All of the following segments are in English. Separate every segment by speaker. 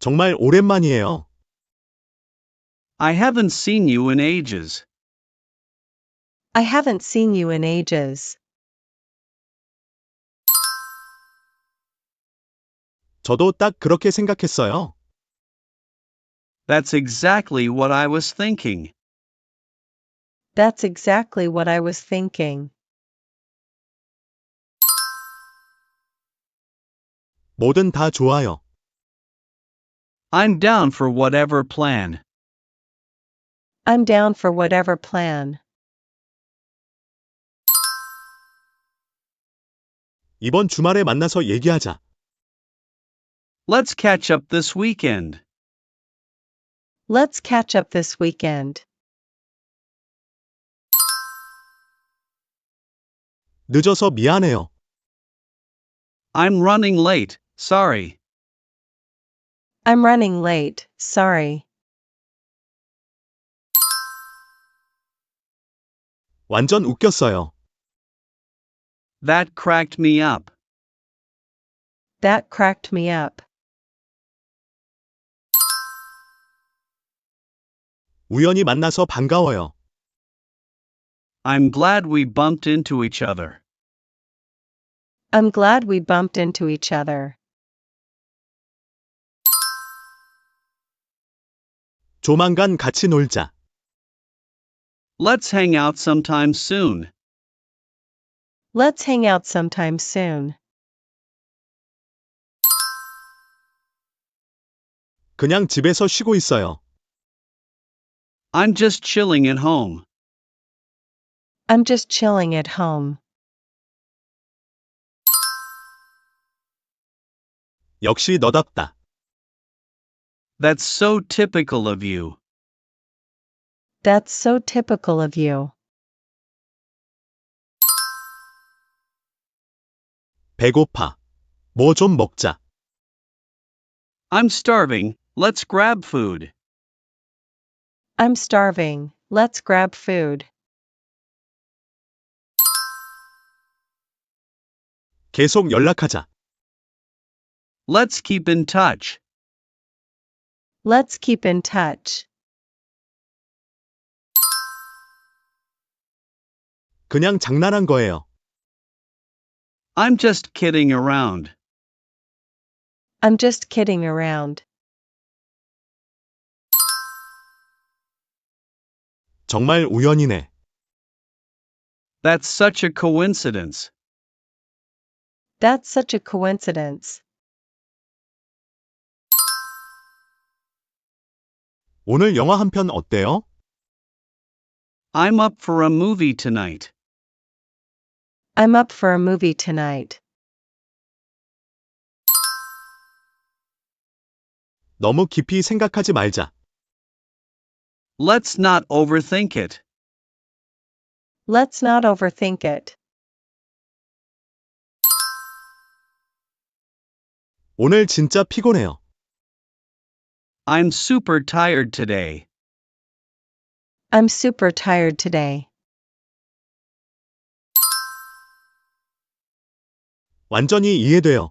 Speaker 1: 정말 오랜만이에요.
Speaker 2: I haven't seen you in ages.
Speaker 3: I haven't seen you in ages.
Speaker 1: 저도 딱 그렇게 생각했어요.
Speaker 2: That's exactly what I was thinking.
Speaker 3: That's exactly what I was thinking.
Speaker 1: 뭐든 다 좋아요.
Speaker 2: I'm down for whatever plan.
Speaker 3: I'm down for whatever plan.
Speaker 1: 이번 주말에 만나서 얘기하자.
Speaker 2: Let's catch up this weekend.
Speaker 3: Let's catch up this weekend.
Speaker 1: 늦어서 미안해요.
Speaker 2: I'm running late, sorry.
Speaker 3: I'm running late, sorry.
Speaker 1: 완전 웃겼어요.
Speaker 2: That cracked me up.
Speaker 3: That cracked me up.
Speaker 1: 우연히 만나서 반가워요.
Speaker 2: I'm glad we bumped into each other.
Speaker 3: I'm glad we bumped into each other.
Speaker 1: 조만간 같이 놀자.
Speaker 2: Let's hang out sometime soon.
Speaker 3: Let's hang out sometime soon.
Speaker 1: 그냥 집에서 쉬고 있어요.
Speaker 2: I'm just chilling at home.
Speaker 3: I'm just chilling at home.
Speaker 1: 역시 너답다.
Speaker 2: That's so typical of you.
Speaker 3: That's so typical of you.
Speaker 1: 배고파. 뭐 좀 먹자.
Speaker 2: I'm starving, let's grab food.
Speaker 3: I'm starving, let's grab food.
Speaker 1: 계속 연락하자.
Speaker 2: Let's keep in touch.
Speaker 3: Let's keep in touch.
Speaker 1: 그냥 장난한 거예요.
Speaker 2: I'm just kidding around.
Speaker 3: I'm just kidding around.
Speaker 1: 정말 우연이네.
Speaker 2: That's such a coincidence.
Speaker 3: That's such a coincidence.
Speaker 1: 오늘 영화 한 편 어때요?
Speaker 2: I'm up for a movie tonight.
Speaker 3: I'm up for a movie tonight.
Speaker 1: 너무 깊이 생각하지 말자.
Speaker 2: Let's not overthink it.
Speaker 3: Let's not overthink it.
Speaker 1: 오늘 진짜 피곤해요.
Speaker 2: I'm super tired today.
Speaker 3: I'm super tired today.
Speaker 1: 완전히 이해돼요.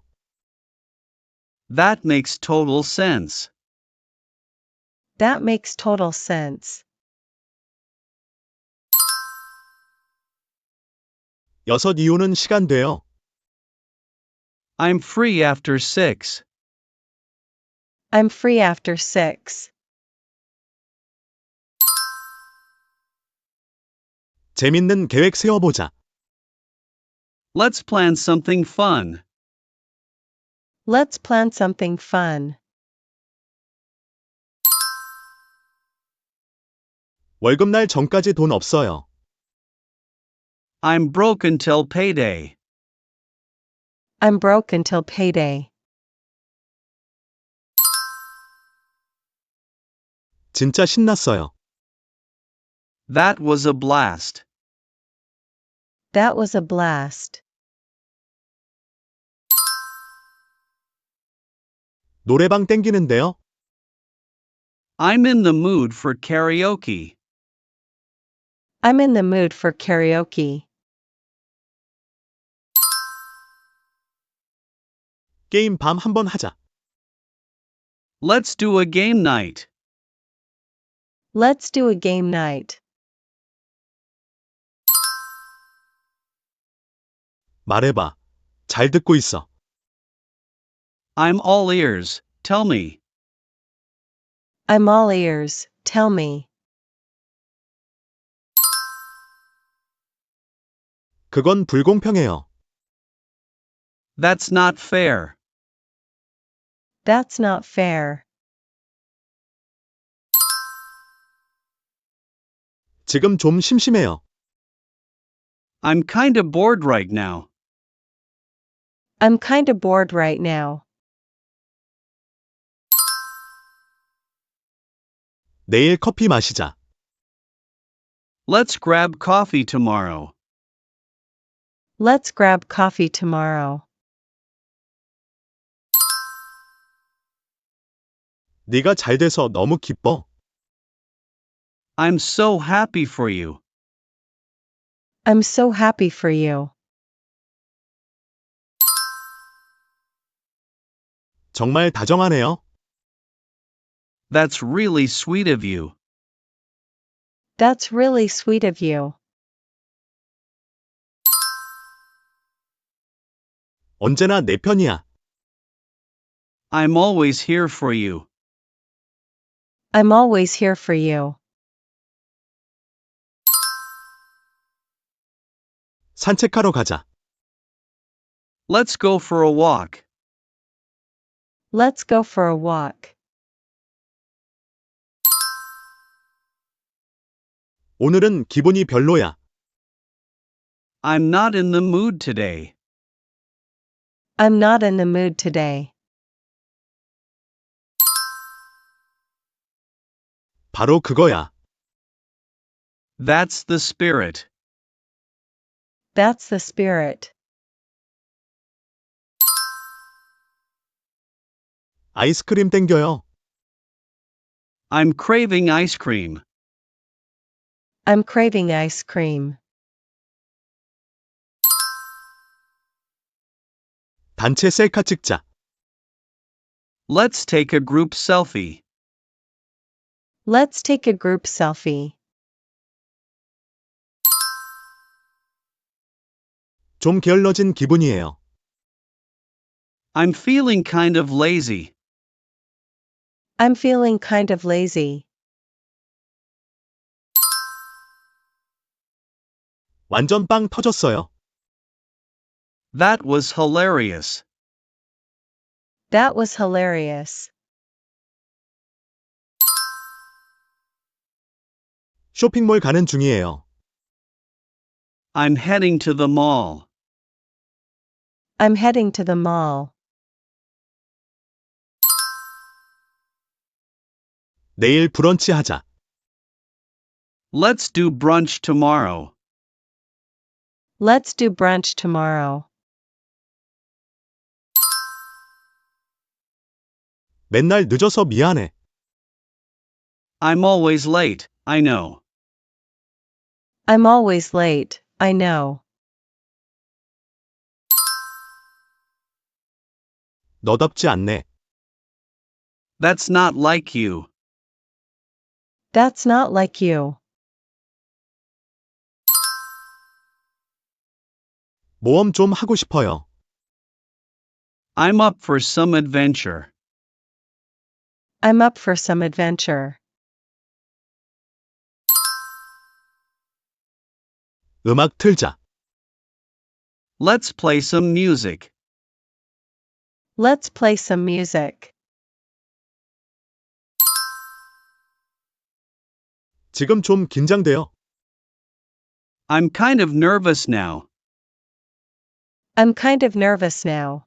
Speaker 2: That makes total sense.
Speaker 3: That makes total sense.
Speaker 1: 6 이후는 시간 돼요.
Speaker 2: I'm free after 6.
Speaker 3: I'm free after 6.
Speaker 1: 재밌는 계획 세워보자.
Speaker 2: Let's plan something fun.
Speaker 3: Let's plan something fun.
Speaker 1: 월급날 전까지 돈 없어요.
Speaker 2: I'm broke until payday.
Speaker 3: I'm broke until payday.
Speaker 1: 진짜 신났어요.
Speaker 2: That was a blast.
Speaker 3: That was a blast.
Speaker 1: 노래방 땡기는데요.
Speaker 2: I'm in the mood for karaoke.
Speaker 3: I'm in the mood for karaoke.
Speaker 1: 게임 밤 한번 하자.
Speaker 2: Let's do a game night.
Speaker 3: Let's do a game night.
Speaker 1: 말해봐. 잘 듣고 있어.
Speaker 2: I'm all ears, tell me.
Speaker 3: I'm all ears, tell me.
Speaker 1: 그건 불공평해요.
Speaker 2: That's not fair.
Speaker 3: That's not fair.
Speaker 1: 지금 좀 심심해요.
Speaker 2: I'm kinda bored right now.
Speaker 3: I'm kinda bored right now.
Speaker 1: 내일 커피 마시자.
Speaker 2: Let's grab coffee tomorrow.
Speaker 3: Let's grab coffee tomorrow.
Speaker 1: 네가 잘 돼서 너무 기뻐.
Speaker 2: I'm so happy for you.
Speaker 3: I'm so happy for you.
Speaker 1: 정말 다정하네요.
Speaker 2: That's really sweet of you.
Speaker 3: That's really sweet of you.
Speaker 1: 언제나 내 편이야.
Speaker 2: I'm always here for you.
Speaker 3: I'm always here for you.
Speaker 1: 산책하러 가자.
Speaker 2: Let's go for a walk.
Speaker 3: Let's go for a walk.
Speaker 1: 오늘은 기분이 별로야.
Speaker 2: I'm not in the mood today.
Speaker 3: I'm not in the mood today.
Speaker 1: 바로 그거야.
Speaker 2: That's the spirit.
Speaker 3: That's the spirit.
Speaker 1: 아이스크림 땡겨요.
Speaker 2: I'm craving ice cream.
Speaker 3: I'm craving ice cream.
Speaker 1: 단체 셀카 찍자.
Speaker 2: Let's take a group selfie.
Speaker 3: Let's take a group selfie.
Speaker 1: 좀 게을러진 기분이에요.
Speaker 2: I'm feeling kind of lazy.
Speaker 3: I'm feeling kind of lazy.
Speaker 1: 완전 빵 터졌어요.
Speaker 2: That was hilarious.
Speaker 3: That was hilarious.
Speaker 1: 쇼핑몰 가는 중이에요.
Speaker 2: I'm heading to the mall.
Speaker 3: I'm heading to the mall.
Speaker 1: 내일 브런치 하자.
Speaker 2: Let's do brunch tomorrow.
Speaker 3: Let's do brunch tomorrow.
Speaker 1: 맨날 늦어서 미안해.
Speaker 2: I'm always late, I know.
Speaker 3: I'm always late, I know.
Speaker 1: 너답지 않네.
Speaker 2: That's not like you.
Speaker 3: That's not like you.
Speaker 1: 모험 좀 하고 싶어요.
Speaker 2: I'm up for some adventure.
Speaker 3: I'm up for some adventure.
Speaker 1: 음악 틀자.
Speaker 2: Let's play some music.
Speaker 3: Let's play some music.
Speaker 1: 지금 좀 긴장돼요.
Speaker 2: I'm kind of nervous now.
Speaker 3: I'm kind of nervous now.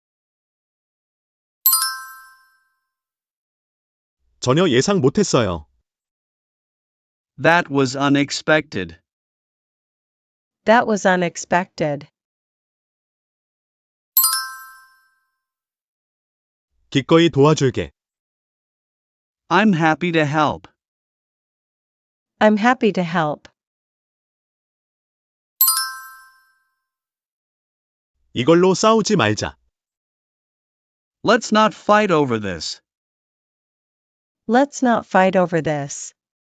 Speaker 1: 전혀 예상 못했어요.
Speaker 2: That was unexpected.
Speaker 3: That was unexpected.
Speaker 1: 기꺼이 도와줄게.
Speaker 2: I'm happy to help.
Speaker 3: I'm happy to help.
Speaker 1: 이걸로 싸우지 말자.
Speaker 2: Let's not fight over this.
Speaker 3: Let's not fight over this.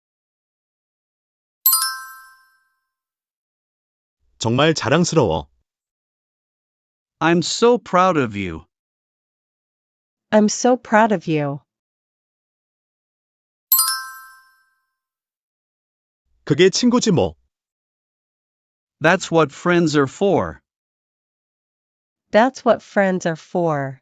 Speaker 1: 정말 자랑스러워.
Speaker 2: I'm so proud of you.
Speaker 3: I'm so proud of you.
Speaker 1: 그게 친구지 뭐.
Speaker 2: That's what friends are for.
Speaker 3: That's what friends are for.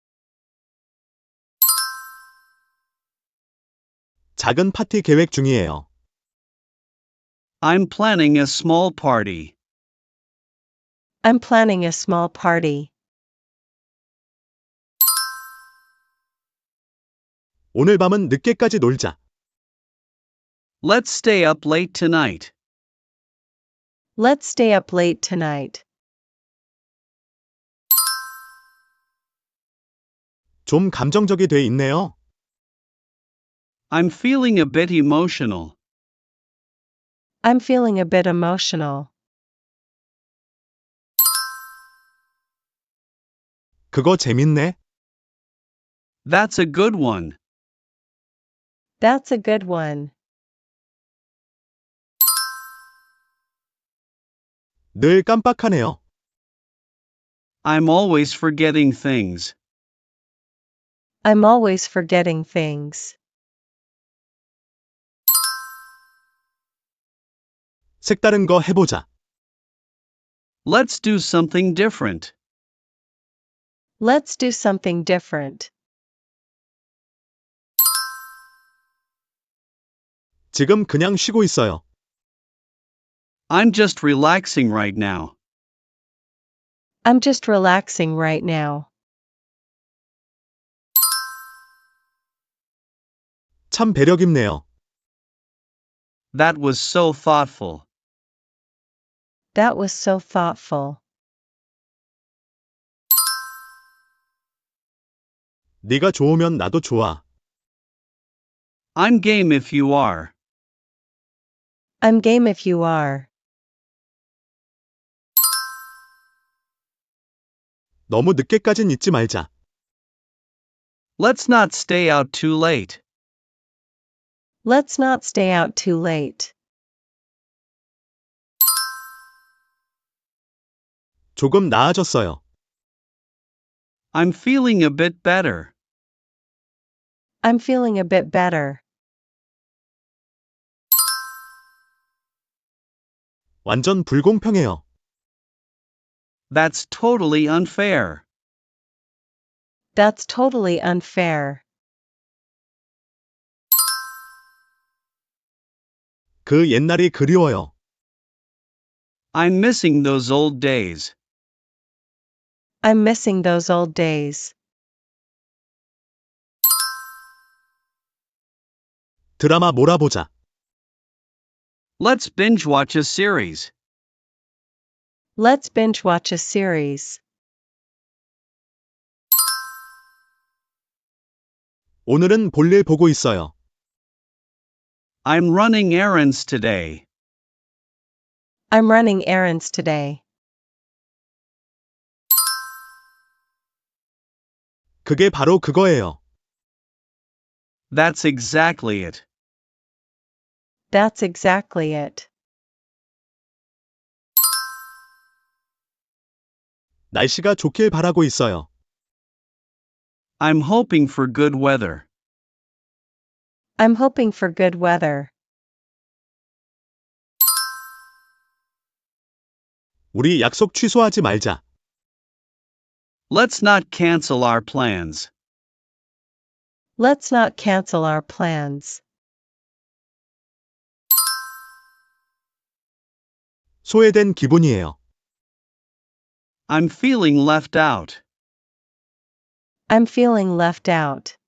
Speaker 1: 작은 파티 계획 중이에요.
Speaker 2: I'm planning a small party.
Speaker 3: I'm planning a small party.
Speaker 1: 오늘 밤은 늦게까지 놀자.
Speaker 2: Let's stay up late tonight.
Speaker 3: Let's stay up late tonight.
Speaker 1: 좀 감정적이 돼 있네요.
Speaker 2: I'm feeling a bit emotional.
Speaker 3: I'm feeling a bit emotional.
Speaker 1: 그거 재밌네.
Speaker 2: That's a good one.
Speaker 3: That's a good one.
Speaker 1: 늘 깜빡하네요.
Speaker 2: I'm always forgetting things.
Speaker 3: I'm always forgetting things.
Speaker 1: 색다른 거 해보자.
Speaker 2: Let's do something different.
Speaker 3: Let's do something different.
Speaker 1: 지금 그냥 쉬고 있어요.
Speaker 2: I'm just relaxing right now.
Speaker 3: I'm just relaxing right now.
Speaker 1: 참 배려 깊네요.
Speaker 2: That was so thoughtful.
Speaker 3: That was so thoughtful.
Speaker 1: 네가 좋으면 나도 좋아.
Speaker 2: I'm game if you are.
Speaker 3: I'm game if you are.
Speaker 1: 너무 늦게까진 있지 말자.
Speaker 2: Let's not stay out too late.
Speaker 3: Let's not stay out too late.
Speaker 1: 조금 나아졌어요.
Speaker 2: I'm feeling a bit better.
Speaker 3: I'm feeling a bit better.
Speaker 1: 완전 불공평해요.
Speaker 2: That's totally unfair.
Speaker 3: That's totally unfair.
Speaker 1: 그 옛날이 그리워요.
Speaker 2: I'm missing those old days.
Speaker 3: I'm missing those old days.
Speaker 1: 드라마 몰아보자.
Speaker 2: Let's binge watch a series.
Speaker 3: Let's binge watch a series.
Speaker 1: 오늘은 볼일 보고 있어요.
Speaker 2: I'm running errands today.
Speaker 3: I'm running errands today.
Speaker 1: 그게 바로 그거예요.
Speaker 2: That's exactly it.
Speaker 3: That's exactly it.
Speaker 1: 날씨가 좋길 바라고 있어요.
Speaker 2: I'm hoping for good weather.
Speaker 3: I'm hoping for good weather.
Speaker 1: 우리 약속 취소하지 말자.
Speaker 2: Let's not cancel our plans.
Speaker 3: Let's not cancel our plans.
Speaker 1: 소외된 기분이에요.
Speaker 2: I'm feeling left out.
Speaker 3: I'm feeling left out.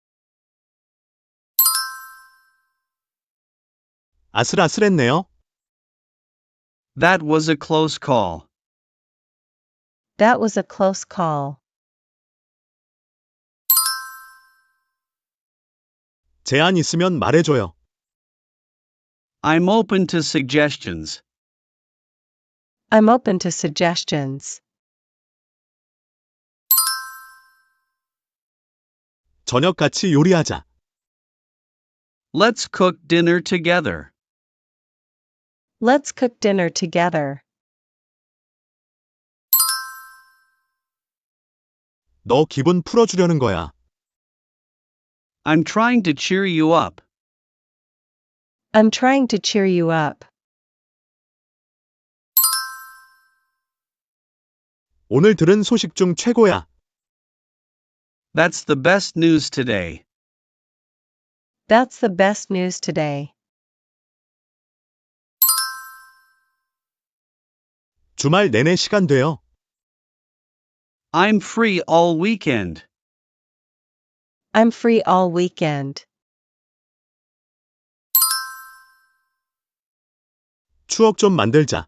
Speaker 1: 아슬아슬했네요.
Speaker 2: That was a close call.
Speaker 3: That was a close call.
Speaker 1: 제안 있으면 말해줘요.
Speaker 2: I'm open to suggestions.
Speaker 3: I'm open to suggestions.
Speaker 1: 저녁 같이 요리하자.
Speaker 2: Let's cook dinner together.
Speaker 3: Let's cook dinner together.
Speaker 1: 너 기분 풀어주려는 거야.
Speaker 2: I'm trying to cheer you up.
Speaker 3: I'm trying to cheer you up.
Speaker 1: 오늘 들은 소식 중 최고야.
Speaker 2: That's the best news today.
Speaker 3: That's the best news today.
Speaker 1: 주말 내내 시간 돼요.
Speaker 2: I'm free all weekend.
Speaker 3: I'm free all weekend.
Speaker 1: 추억 좀 만들자.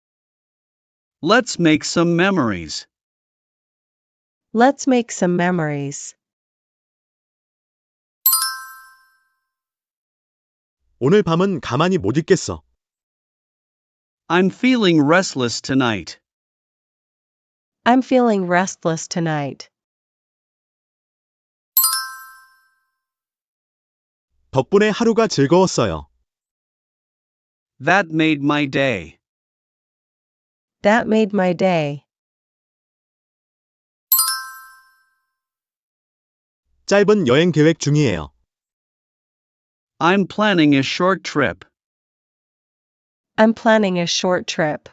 Speaker 2: Let's make some memories.
Speaker 3: Let's make some memories.
Speaker 1: 오늘 밤은 가만히 못 있겠어.
Speaker 2: I'm feeling restless tonight.
Speaker 3: I'm feeling restless tonight.
Speaker 1: 덕분에 하루가 즐거웠어요.
Speaker 2: That made my day.
Speaker 3: That made my day.
Speaker 1: 짧은 여행 계획 중이에요.
Speaker 2: I'm planning a short trip.
Speaker 3: I'm planning a short trip.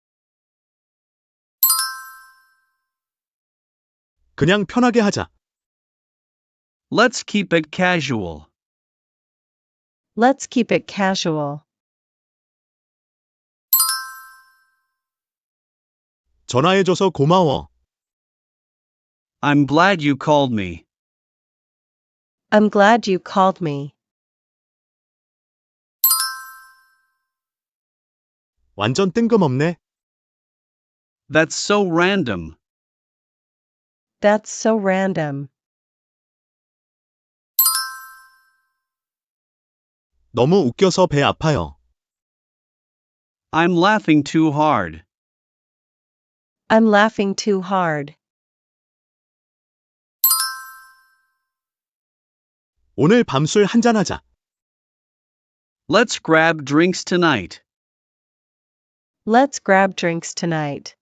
Speaker 1: 그냥 편하게 하자.
Speaker 2: Let's keep it casual.
Speaker 3: Let's keep it casual.
Speaker 1: 전화해줘서 고마워.
Speaker 2: I'm glad you called me.
Speaker 3: I'm glad you called me.
Speaker 1: 완전 뜬금없네.
Speaker 2: That's so random.
Speaker 3: That's so random.
Speaker 1: 너무 웃겨서 배 아파요.
Speaker 2: I'm laughing too hard.
Speaker 3: I'm laughing too hard.
Speaker 1: 오늘 밤술 한잔하자.
Speaker 2: Let's grab drinks tonight.
Speaker 3: Let's grab drinks tonight.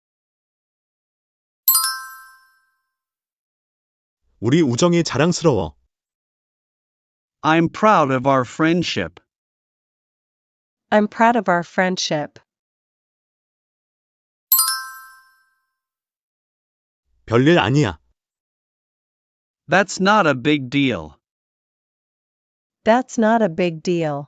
Speaker 1: 우리 우정이 자랑스러워.
Speaker 2: I'm proud of our friendship.
Speaker 3: I'm proud of our friendship.
Speaker 1: 별일 아니야.
Speaker 2: That's not a big deal.
Speaker 3: That's not a big deal.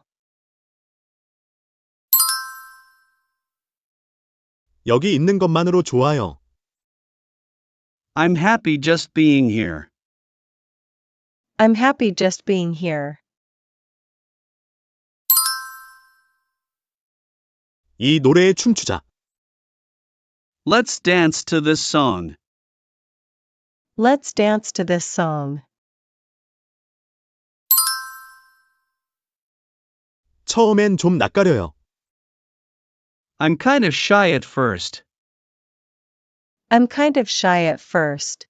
Speaker 1: 여기 있는 것만으로 좋아요.
Speaker 2: I'm happy just being here.
Speaker 3: I'm happy just being here.
Speaker 1: 이 노래에 춤추자.
Speaker 2: Let's dance to this song.
Speaker 3: Let's dance to this song.
Speaker 1: 처음엔 좀 낯가려요.
Speaker 2: I'm kind of shy at first.
Speaker 3: I'm kind of shy at first.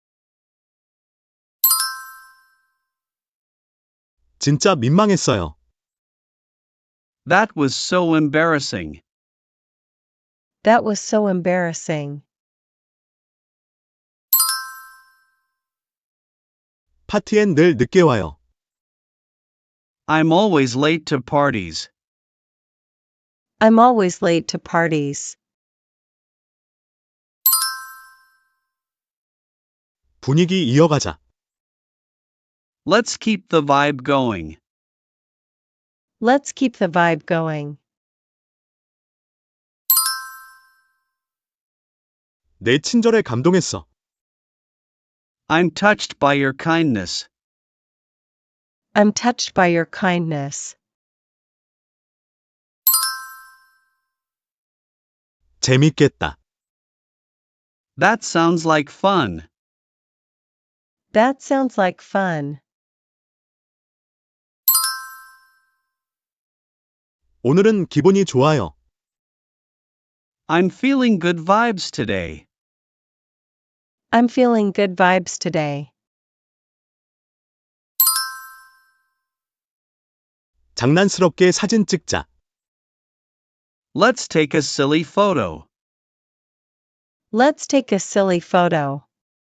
Speaker 1: 진짜 민망했어요.
Speaker 2: That was so embarrassing.
Speaker 3: That was so embarrassing.
Speaker 1: 파티엔 늘 늦게 와요.
Speaker 2: I'm always late to parties.
Speaker 3: I'm always late to parties.
Speaker 1: 분위기 이어가자.
Speaker 2: Let's keep the vibe going.
Speaker 3: Let's keep the vibe going.
Speaker 1: 내 친절에 감동했어.
Speaker 2: I'm touched by your kindness.
Speaker 3: I'm touched by your kindness.
Speaker 1: 재밌겠다.
Speaker 2: That sounds like fun.
Speaker 3: That sounds like fun.
Speaker 1: 오늘은 기분이 좋아요.
Speaker 2: I'm feeling good vibes today.
Speaker 3: I'm feeling good vibes today.
Speaker 1: 장난스럽게 사진 찍자.
Speaker 2: Let's take a silly photo.
Speaker 3: Let's take a silly photo.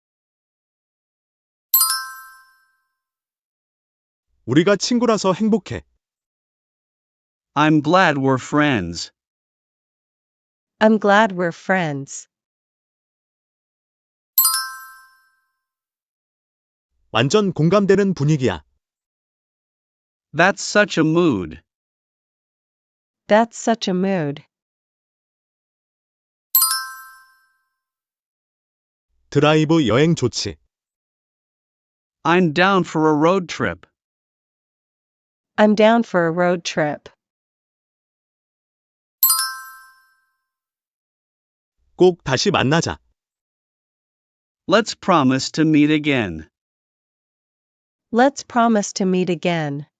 Speaker 1: 우리가 친구라서 행복해.
Speaker 2: I'm glad we're friends.
Speaker 3: I'm glad we're friends.
Speaker 1: 완전 공감되는 분위기야.
Speaker 2: That's such a mood.
Speaker 3: That's such a mood.
Speaker 1: 드라이브 여행 좋지.
Speaker 2: I'm down for a road trip.
Speaker 3: I'm down for a road trip.
Speaker 1: 꼭 다시 만나자.
Speaker 2: Let's promise to meet again.
Speaker 3: Let's promise to meet again.